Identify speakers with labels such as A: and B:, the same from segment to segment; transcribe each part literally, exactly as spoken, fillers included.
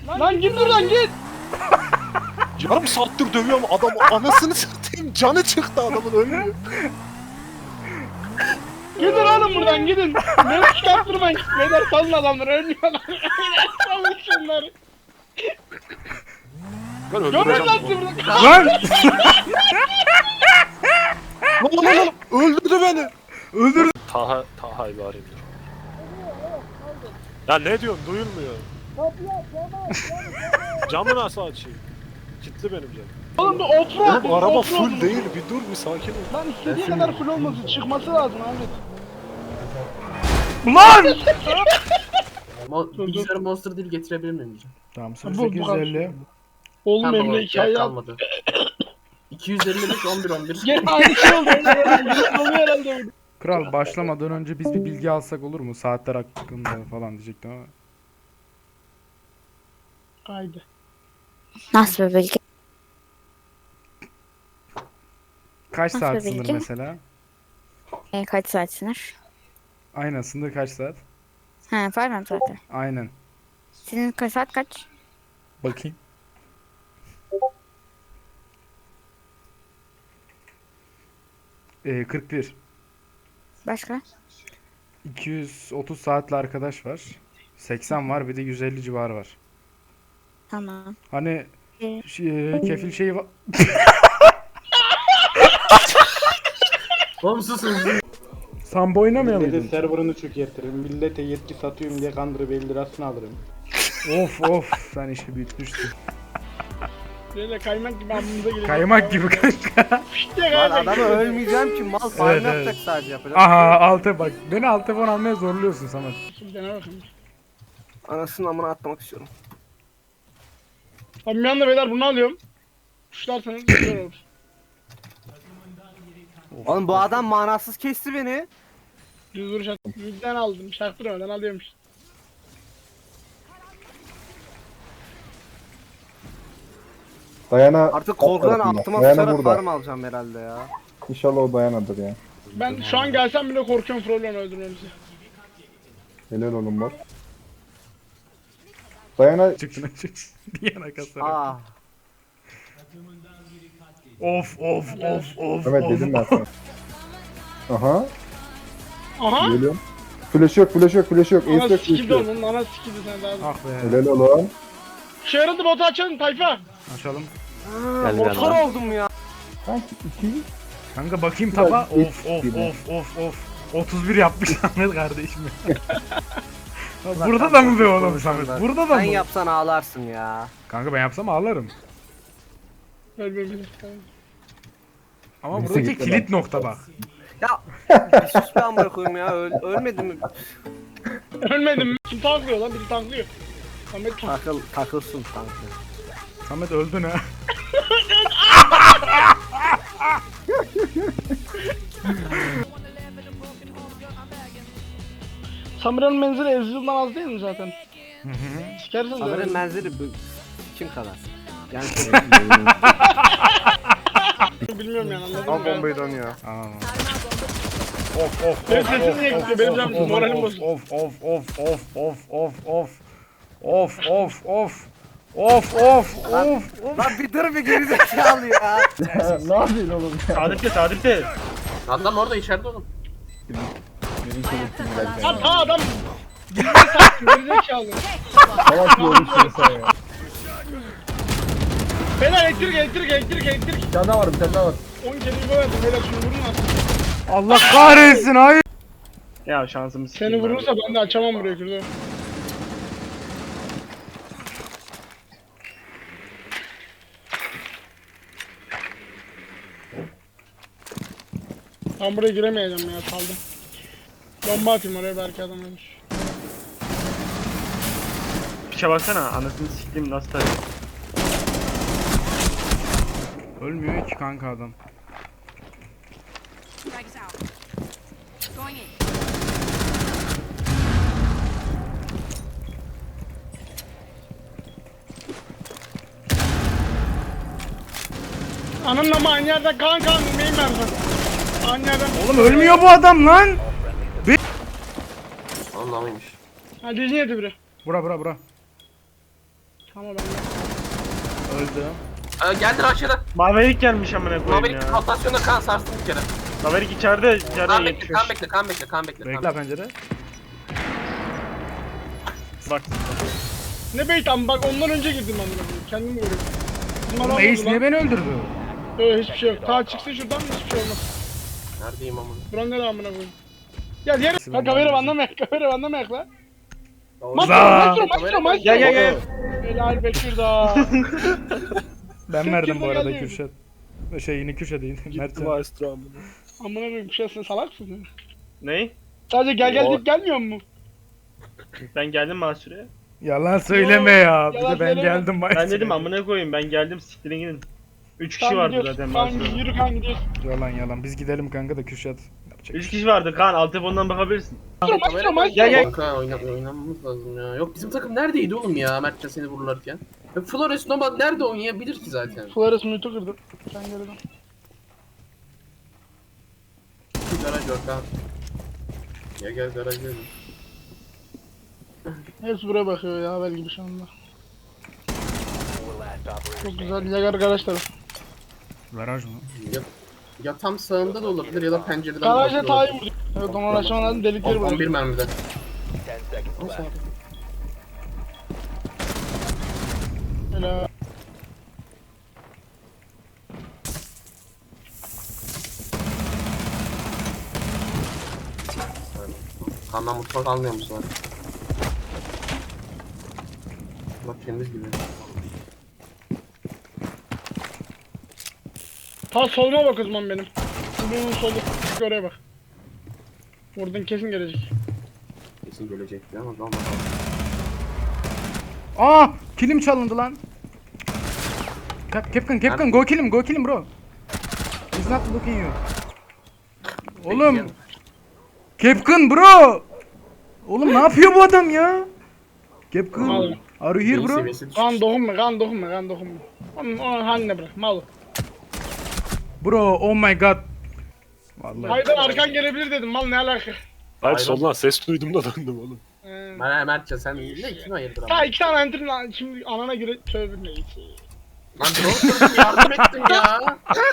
A: Lan git buradan git.
B: Yarım saattir dövüyorum adam anasını satayım canı çıktı adamın ölmüyor.
A: Gidin oğlum buradan gidin. Beni çıkarttırmayın. Beyler salın adamları ölmüyorlar. Beyler salın şunları.
B: Ben
A: Görün
B: öldüreceğim
A: lan
B: bunu.
A: sizi burada.
C: Lan!
B: Lan lan lan öldürdü beni.
C: Öldürdü.
B: Taha, Taha'yı bir arayayım dur. Ya ne diyorsun duyulmuyor. Camı nasıl açayım? Kilitli benim camım.
A: Oğlum bu offroad.
B: Oğlum araba
A: offroad
B: full
A: bu.
B: değil bir dur bir sakin ol.
A: Lan istediği kadar full olmasın. Çıkması lazım Ahmet.
C: Lan!
D: Mo bilgisayar monster değil getirebilir miyim diyeceğim.
C: Tamam
A: Bu- bu
C: sekiz yüz elli.
A: Oğlum
D: Tamam,
A: Emre
D: yer
A: hikaye yap.
D: kalmadı. iki yüz elli beş on bir on bir.
A: Gene aynı şey oldu. Gene oluyor herhalde bu.
C: Kral başlamadan önce biz bir bilgi alsak olur mu? Saatler hakkında falan diyecektim ama.
A: Haydi.
E: Nasıl bir bilgi?
C: Kaç
E: Nasıl
C: saat
E: bir
C: sınır
E: bilgi?
C: mesela?
E: E, kaç saat sınır?
C: Aynen sınır kaç saat?
E: He pardon zaten.
C: Aynen.
E: Senin kaç saat kaç?
C: Bakayım. Ee, kırk bir.
E: Başka?
C: iki yüz otuz saatli arkadaş var. seksen var bir de yüz elli civarı var.
E: Tamam.
C: Hani
E: Ee,
C: şey, kefil şeyi var.
D: Oğlum susun.
C: Sambo oynamıyor
F: Millete
C: muydun?
F: serverını çökertirim. Millete yetki satıyorum diye kandırıp elli lirasını alırım.
C: Of of sen işi büyütmüşsün.
A: Böyle kaymak gibi amımıza geliyor.
C: Kaymak gibi kanka.
A: İşte
G: Lan
A: kaymak
G: adamı
A: gibi.
G: ölmeyeceğim ki mal farm
C: Evet,
G: yapacak
C: evet.
G: sadece yapacak.
C: Aha altı bak. Beni alt telefon almaya zorluyorsun Samet.
A: Bir dene bakayım.
G: Anasının amına atlamak istiyorum.
A: Abi bir anda beyler bunu alıyorum. Kuşlarsanız güzel olur.
G: Oğlum bu adam manasız kesti beni.
A: Düz vuruş at. Midden aldım. Şaktırmadan alıyormuş.
H: Dayana
G: Artık korkudan
H: tarafında.
G: altıma
H: Dayana
G: sıçarak
H: burada.
G: farm alacağım herhalde ya.
H: İnşallah o Dayana'dır ya.
A: Ben şu an gelsem bile korkuyorum problem öldürmemizi.
H: Helal olun bak. Dayana
C: Çıksın çıksın. Bir yana kasar.
G: Ah.
C: Of of of of
H: Mehmet
C: of.
H: dedim ben sana. Aha
A: Aha!
H: geliyorum. Flash yok flash yok flash yok.
A: Ana
H: Ace yok flash
A: sikildi
H: yok.
A: onun, ana sikildi sen daha.
C: Ah be.
H: Helal olun.
A: Şey aradı botu açalım tayfa.
C: Açalım.
G: Motor oldum ya.
H: Sanki iki.
C: Kanka bakayım taba.
H: Hiç
C: Of of
H: gibi.
C: of of of. otuz bir yapmış Samet kardeşim. Ya burada da mı be oğlum Samet? Burada da
G: Sen
C: mı?
G: yapsan ağlarsın ya.
C: Kanka ben yapsam ağlarım.
A: Ölmemizi.
C: Ama
H: Neyse,
C: buradaki
H: gitti
C: kilit nokta bak.
G: Ya bir sus be amına koyayım ya. Öl ölmedim mi?
A: Ölmedim mi? Kim tanklıyor lan? Biri tanklıyor. Ahmet tank.
G: Takıl takılsın tankı.
C: Samet öldün ha.
A: Samira'nın menzili Ezreal'dan az değil mi zaten?
C: Hı hı.
A: Sikersin de.
G: Haberin menzili bu kim kadar? Yani
A: Bilmiyorum yani anladın
G: al
A: mı?
G: bombayı dönüyor.
C: Aa. Of of
A: Benim
C: of
A: sesim
C: of
A: niye
C: of
A: gidiyor? Benim
C: of
A: canım
C: of
A: moralim
C: of
A: bozuldu.
C: of of of of of of of of of of of of of.
G: Lan bir dur bir gerizekalı ya.
H: ne yapıyorsun oğlum ya?
F: Saadetli Saadetli.
D: Adam orada içeride oğlum.
A: Ha ta adam. Gerizekalı.
H: Salak bir olmuşsun sen ya.
A: Beyler elektrik elektrik elektrik elektrik.
H: Bir tane daha var bir tane daha var.
A: on kere bu verdim beyler şunu vurun artık.
C: Allah kahretsin hayır.
F: Ya şansımız
A: Seni vurursa ben de açamam burayı kırdı. Ben buraya giremeyeceğim ya kaldım. Bomba atayım oraya belki adam ölür.
F: Piçe baksana anasını siktim nasıl tabii.
C: Ölmüyor ki kanka adam.
A: Ananın ama aynı yerden kan kan neyim ben sana? Aynı yerden.
C: Oğlum ölmüyor bu adam lan.
D: Anlamıymış.
A: Ha dizini yedi biri.
C: Bura bura bura.
A: Tamam ben de.
C: Öldü.
G: Ee, geldi aşağıda.
C: Maverick gelmiş amına koyayım
G: Maverick
C: ya.
G: rotasyonda kan sarstım bir kere.
C: Maverick içeride, içeride
G: Kan bekle,
C: yetişmiş.
G: kan bekle, kan bekle, kan bekle.
C: Bekle
G: Kan.
C: pencere. Bak.
A: Ne beyt ama bak ondan önce girdim ben buna. Kendim vuruyorum. Bizim adam
C: Oğlum Ace
A: vurdu
C: niye
A: lan.
C: beni öldürdü?
A: Yok hiçbir şey yok. Ta çıksın şuradan hiçbir şey olmaz.
G: Neredeyim amına?
A: Buranın ne amına koyayım. Gel gel.
C: Nasıl
A: Ha
C: ben
A: kamera
C: anlamadım.
A: banlamayak, kamera banlamayak la.
G: Doğru.
A: Maestro,
C: Za.
A: maestro, maestro, maestro.
C: Gel gel gel.
A: Helal Bekir da.
C: Ben verdim bu
A: Kimse
C: arada
A: gelmiyor.
C: Kürşat. Şey yine Kürşat değil.
B: Gitti
C: Mertcan.
B: maestro amına.
A: Amına koyayım bir şey sen salaksın ya.
C: Ney?
A: Sadece gel gel
B: Yo.
A: deyip gelmiyor mu?
C: Ben geldim Mahsur'e. Yalan söyleme ya. Bir
A: yalan
C: de ben
A: söyleme.
C: geldim Mahsur'e.
I: Ben dedim amına koyayım ben geldim siktirin gidin. üç kişi
A: Tamam,
I: vardı
A: gidiyoruz.
I: zaten
A: Tamam
I: Mahsur'da.
A: yürü kan gidiyoruz.
C: Yalan yalan. Biz gidelim kanka da Kürşat. Yapacak bir
I: üç
C: şey
I: kişi vardı Kaan alt telefondan bakabilirsin.
A: Maestro, maestro, maestro.
I: Gel, gel.
G: Kanka oyna, oynamamız lazım ya. Yok bizim takım neredeydi oğlum ya Mertcan seni vururlarken? Ya Flores Noma nerede oynayabilir ki zaten?
A: Flores mutu kırdı. Sen geri dön.
G: Garaj yok ha. Ya gel garaj gel.
A: Hepsi buraya bakıyor ya haber gibi şu anda. Çok güzel. Yagar garaj tarafı.
C: Garaj mı?
G: Ya, ya tam sağında da olabilir ya da pencereden
A: Garaja
G: bakıyor
A: tayi
G: olabilir.
A: vurdu. Evet onu uğraşman lazım delikleri
G: on bir
A: bırak.
G: mermide.
A: Helal.
G: Kandan mutfak almıyor musun lan? Bak temiz gibi.
A: Ta soluma bak o zaman benim. Bunun solu. Şu oraya bak. Buradan kesin gelecek.
G: Kesin gelecekti ama tamam.
C: Aa! Kilim çalındı lan. Cap- Capcom, Capcom, go kill him, go kill him bro. He's not looking you. Oğlum, Capcom bro. Oğlum ne yapıyor bu adam ya? Capcom,
A: Oğlum.
C: are you here bro?
G: Seviyesi düşmüş.
A: Kan dokunma, kan dokunma, kan dokunma. Onun, onun haline bırak, mal.
C: Bro, oh my god. Vallahi.
A: Haydan arkan gelebilir dedim, mal ne alaka?
B: Hayır
G: Hayır,
B: soldan ses duydum da döndüm oğlum.
A: Ee,
G: Mer Mertcan sen ne kim hayırdır ama?
A: ta iki tane enterin lan, şimdi anana göre tövbe neyse.
G: Lan drone kırdım yardım ettim ya.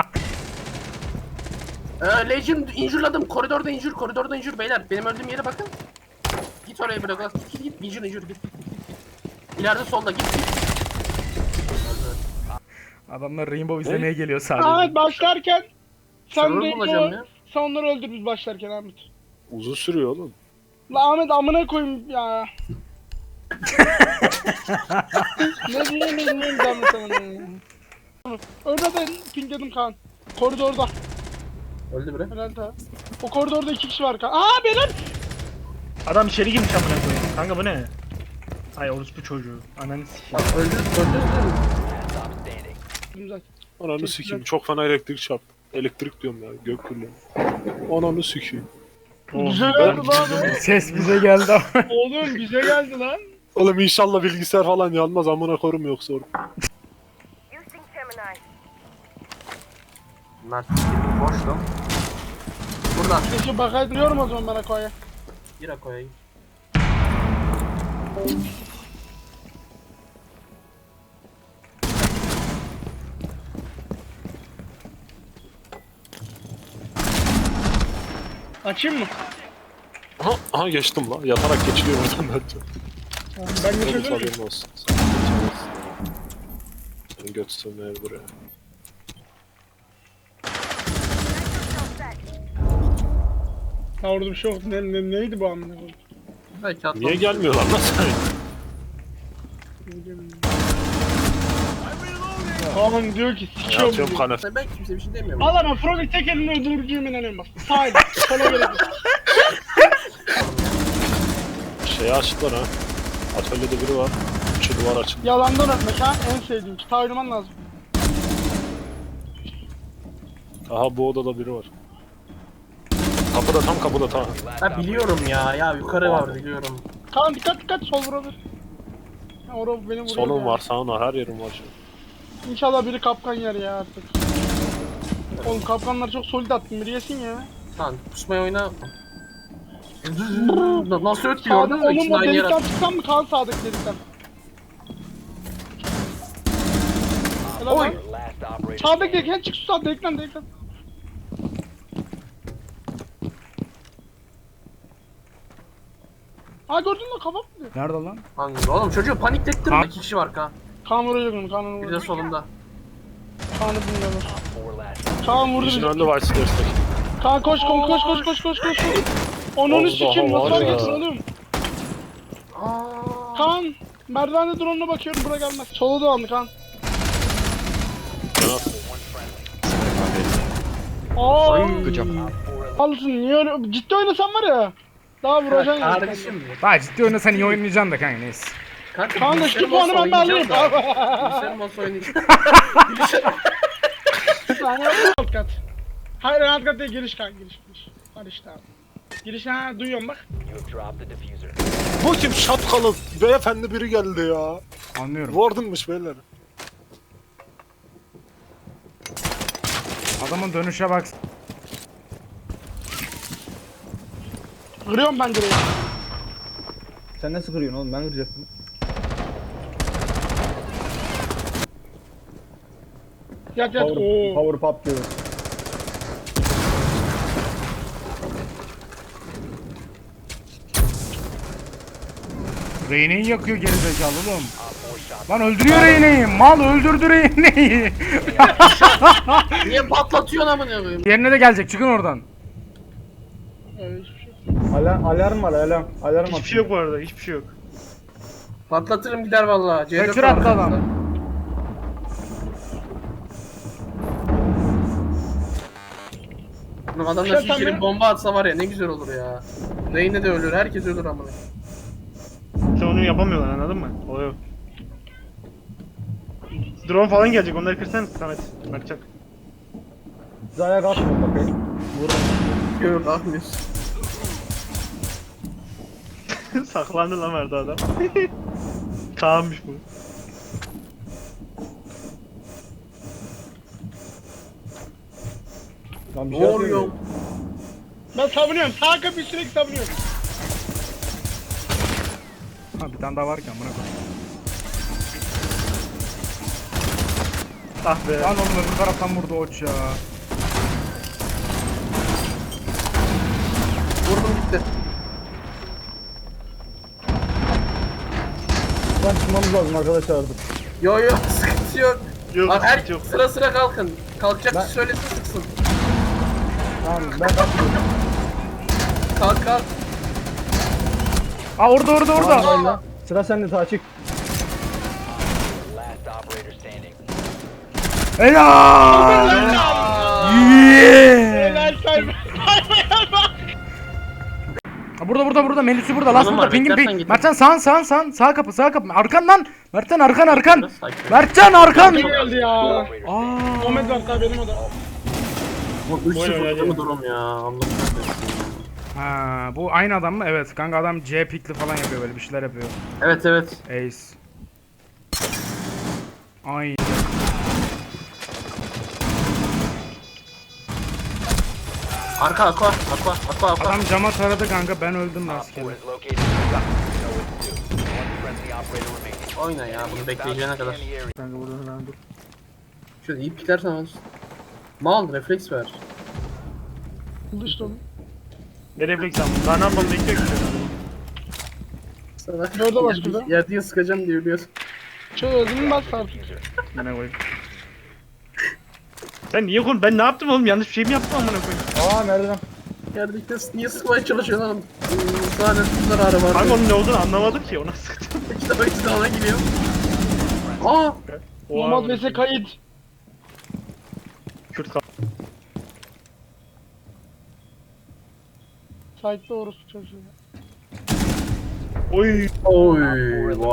G: Ee, Legion injurladım. Koridorda injur, koridorda injur beyler. Benim öldüğüm yere bakın. Git oraya bırak. Git git git. Legion injur git git git. git. İleride solda git git.
C: Adamlar Rainbow izlemeye geliyor sadece.
A: Ahmet başlarken sen
G: Server
A: de
G: bulacağım
A: o,
G: ya.
A: sen onları öldür biz başlarken Ahmet.
B: Uzun sürüyor oğlum.
A: La Ahmet amına koyayım ya. ne diyeyim ne diyeyim ben sana. Orada da pingledim kan. Koridorda.
G: Öldü bre.
A: Helal ta. O koridorda iki kişi var kan. Aa beyler.
I: Adam içeri girmiş amına koyayım. Kanka bu ne? Ay orospu çocuğu. Ananı sikeyim.
G: Bak öldü öldü.
A: Güzel.
B: Ananı sikeyim çok fena elektrik çarptı. Elektrik diyorum ya gök gürlüğü. Ananı sikeyim.
A: Güzel geldi lan.
C: Ses bize geldi ama.
A: Oğlum bize geldi lan.
B: Oğlum inşallah bilgisayar falan yanmaz amına korum yoksa orada.
G: Mert boştum. Burada.
A: Keşke bakaydın yorum o zaman bana koya.
G: Gir koyayım.
A: Açayım mı?
B: Aha, aha geçtim la yatarak geçiliyor oradan bence.
A: Tamam, ben
B: Benim
A: geçebilir miyim?
B: haberim olsun. Sen geçemezsin. Seni göt sövmeye buraya.
A: Ha orada bir şey yok. Ne, ne, neydi bu amına koyayım?
G: Belki atlamış.
B: Niye gelmiyorlar lan sen?
A: Kaan diyor ki
B: Ya
A: sikiyorum
B: atıyorum
A: diyor.
B: kanefe.
G: Ben kimse bir şey demiyorum.
A: Al ama Frog'u tek eline öldüreceğim inanıyorum bak. Sağ el. Sola gerek yok.
B: Şeyi açtılar ha. Atölyede biri var. Şu duvar açıldı.
A: Yalandan öpmek ha en sevdiğim. Kitap oynaman lazım.
B: Aha bu odada biri var. Kapıda tam kapıda tam.
G: Ha biliyorum ya. Ya yukarı var biliyorum.
A: Kaan dikkat dikkat sol vurabilir. Ha orada beni vuruyor.
B: Solun
A: ya.
B: var sağın var her yerim var şu.
A: İnşallah biri kapkan yer ya artık. Oğlum kapkanlar çok solid attın biri yesin ya.
G: Tamam pusmaya oyna. Nasıl ötüyor
A: Sağda
G: orada?
A: onun
G: İkisini
A: o
G: aynı yere
A: delikten
G: at.
A: çıksan mı Kaan sağdaki delikten? Helal
G: Oy.
A: lan. Sağdaki ekran çık şu sağda ekran da ekran. Ha gördün mü kafam mı?
C: Nerede lan?
G: Kanka oğlum çocuğu paniklettirme.
C: Kan-
G: İki kişi var kan.
A: Kaan vuruyor bunu Kaan'ı
G: Bir de
A: vuruyor.
G: solunda.
A: Kaan'ı bilmiyorlar. Kaan vurdu
B: İşin
A: bizi.
B: önünde var istersen.
A: Kaan koş koş koş koş koş koş koş. Onun
B: Allah
A: sikim nasıl
B: Allah.
A: fark etsin oğlum? Kaan merdivende drone'una bakıyorum bura gelmez. Sola dolandı Kaan. Aa,
B: Gıcam.
A: alsın niye öyle ciddi oynasan var ya. Daha vuracaksın ya.
G: Kardeşim.
C: Daha ciddi oynasan iyi oynayacaksın da kanka neyse.
G: Kanka
A: Kanka şu puanı ben de alayım.
G: Bilgisayar masa oynayacağım.
A: Bir saniye alt kat. Hayır alt kat değil giriş kan giriş giriş. Var işte abi. Giriş ha duyuyorum bak.
B: Bu kim şapkalı beyefendi biri geldi ya.
C: Anlıyorum.
B: Warden'mış beyler.
C: Adamın dönüşe bak.
A: Kırıyorum ben direği.
H: Sen nasıl kırıyorsun oğlum? Ben kıracaktım.
A: Yat yat.
H: Power,
A: Oo.
H: power pop diyor.
C: Reyne'yi yakıyor gerizekalı oğlum. Lan öldürüyor Reyne'yi. Mal öldürdü Reyne'yi.
G: Niye patlatıyorsun amına koyayım?
C: Yerine de gelecek çıkın oradan.
A: Öyle hiçbir şey yok.
H: Alarm, alarm var alarm. Alarm
I: Hiçbir şey yok bu arada, hiçbir şey yok.
G: Patlatırım gider vallahi. C dört
C: Kaçır
G: var
C: attı adam.
G: arkamızda. Oğlum adamlar
A: Şey
G: şu
A: sen
G: içeri
A: mi-
G: bomba atsa var ya ne güzel olur ya. Reyne de ölür, herkes ölür amına.
I: Sen onu yapamıyorlar anladın mı? O yok. Drone falan gelecek, onları kırsan Samet. Bakacak.
H: Siz ayağa kalkmayın bakayım. Vurun.
G: Yok kalkmıyorsun.
I: Saklandı lan vardı adam. Kaan'mış bu.
H: Lan bir
G: Ne
H: şey
G: oluyor?
H: yapıyorum.
A: Ben savunuyorum. Sağ kapıyı sürekli savunuyorum.
C: Ha bir tane daha varken buna koy.
I: Ah be.
C: Lan oğlum öbür taraftan vurdu oç ya.
G: Vurdum gitti.
H: Lan çıkmamız lazım arkadaşlar artık.
G: Yo yo sıkıntı yok.
I: Yok,
G: Bak her
I: sıkıntı yok.
G: sıra sıra kalkın. Kalkacak
H: Ben-
G: kişi söylesin sıksın.
H: Tamam ben kalkıyorum.
G: Kalk kalk.
C: Aa orada orada orada.
H: Tamam, lan. Sıra sende Taçık.
C: Helal.
G: Aa,
C: Yeah.
A: Helal say.
C: Ha, burada burada burada Melis'i burada last
G: Oğlum
C: burada
G: var,
C: pingin
G: beklersen
C: ping.
G: getir.
C: Mertcan sağın sağın sağın sağ kapı sağ kapı arkan lan. Mertcan arkan arkan.
G: Biraz sakin.
C: Mertcan arkan.
A: Kim geldi ya?
C: Aa.
A: Ahmet var tabi benim o da.
G: Bu üç
I: Oyun
G: sıfır
I: oynadı.
G: mı durum ya? Allah kahretsin.
C: Ha bu aynı adam mı? Evet kanka adam C pikli falan yapıyor böyle bir şeyler yapıyor.
G: Evet evet.
C: Ace. Ay.
G: Arka aqua aqua aqua aqua.
C: Adam cama taradı kanka ben öldüm rastgele.
G: Oyna ya bunu bekleyeceğine kadar.
I: Kanka burada lan dur.
G: Şöyle iyi piklersen olsun. Mal refleks ver.
A: Oldu işte oğlum.
I: Ne refleks aldım? Daha ne yapmam bekliyor ki.
G: Sana
A: Dörde bas şurada.
G: Yerdiye sıkacağım diye biliyorsun.
A: Çözümü bas artık.
I: Bana koyayım. Sen niye konu? Ben ne yaptım oğlum? Yanlış bir şey mi yaptım amına koyayım?
H: Aa merdiven.
G: Yerdekte niye sıkmaya çalışıyorsun oğlum? Hmm, Sana ne zararı var?
I: Kanka onun ne olduğunu anlamadım ki ona sıktım.
G: İki defa ikisi de ona gidiyor. Aa!
A: Nomad vs kayıt.
I: Kürt kaldı.
A: Site'de orospu çocuğu.
I: Oy.
G: Oy!